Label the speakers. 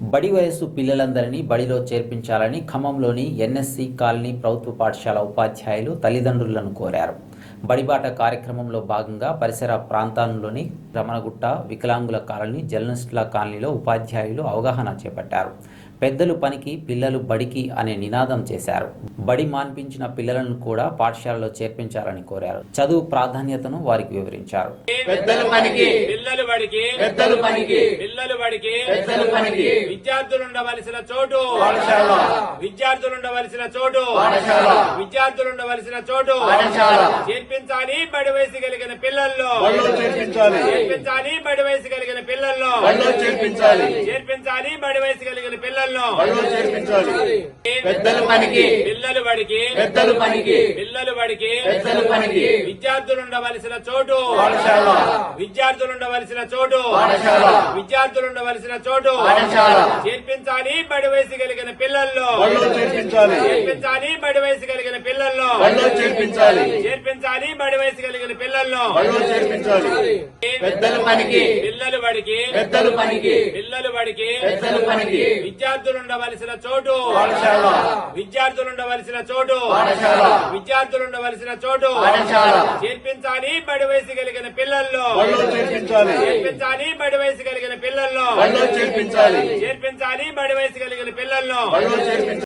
Speaker 1: బడి వయసు పిల్లలందరినీ బడిలో చేర్పించాలని ఖమ్మంలోని ఎన్ఎస్సి కాలనీ ప్రభుత్వ పాఠశాల ఉపాధ్యాయులు తల్లిదండ్రులను కోరారు. బడిబాట కార్యక్రమంలో భాగంగా పరిసర ప్రాంతాల్లోని రమణగుట్ట, వికలాంగుల కాలనీ, జర్నలిస్టుల కాలనీలో ఉపాధ్యాయులు అవగాహన చేపట్టారు. పెద్దలు పనికి పిల్లలు బడికి అనే నినాదం చేశారు. బడి మాన్పించిన పిల్లలను కూడా పాఠశాలలో చేర్పించాలని కోరారు. చదువు ప్రాధాన్యతను వారికి వివరించారు.
Speaker 2: విద్యార్థులుండవలసిన చోటు చేర్పించాలి. బడి వయసు కలిగిన పిల్లల్లో చేర్పించాలి. బడి వయసు కలిగిన పిల్లల్లో చేర్పించాలి. బడి వయసు కలిగిన పిల్లల్లో
Speaker 3: పెద్దలు పనికి
Speaker 2: పిల్లలు బడికి విద్యార్థులుండవలసిన చోటు చేర్పించాలి. బడి వయసు కలిగిన పిల్లల్లో చేర్పించాలి. బడి వయసు కలిగిన పిల్లల్లో చేర్పించాలి. బడి వయసు కలిగిన పిల్లల్లో
Speaker 3: పెద్దలు పనికి
Speaker 2: పిల్లలు బడికి విద్యార్థులుండవలసిన చోటు చేర్పించాలి. బడి వయసు కలిగిన పిల్లల్లో చేర్పించాలి. బడి వయసు కలిగిన పిల్లల్లో చేర్పించాలి. బడి వయసు కలిగిన పిల్లల్లో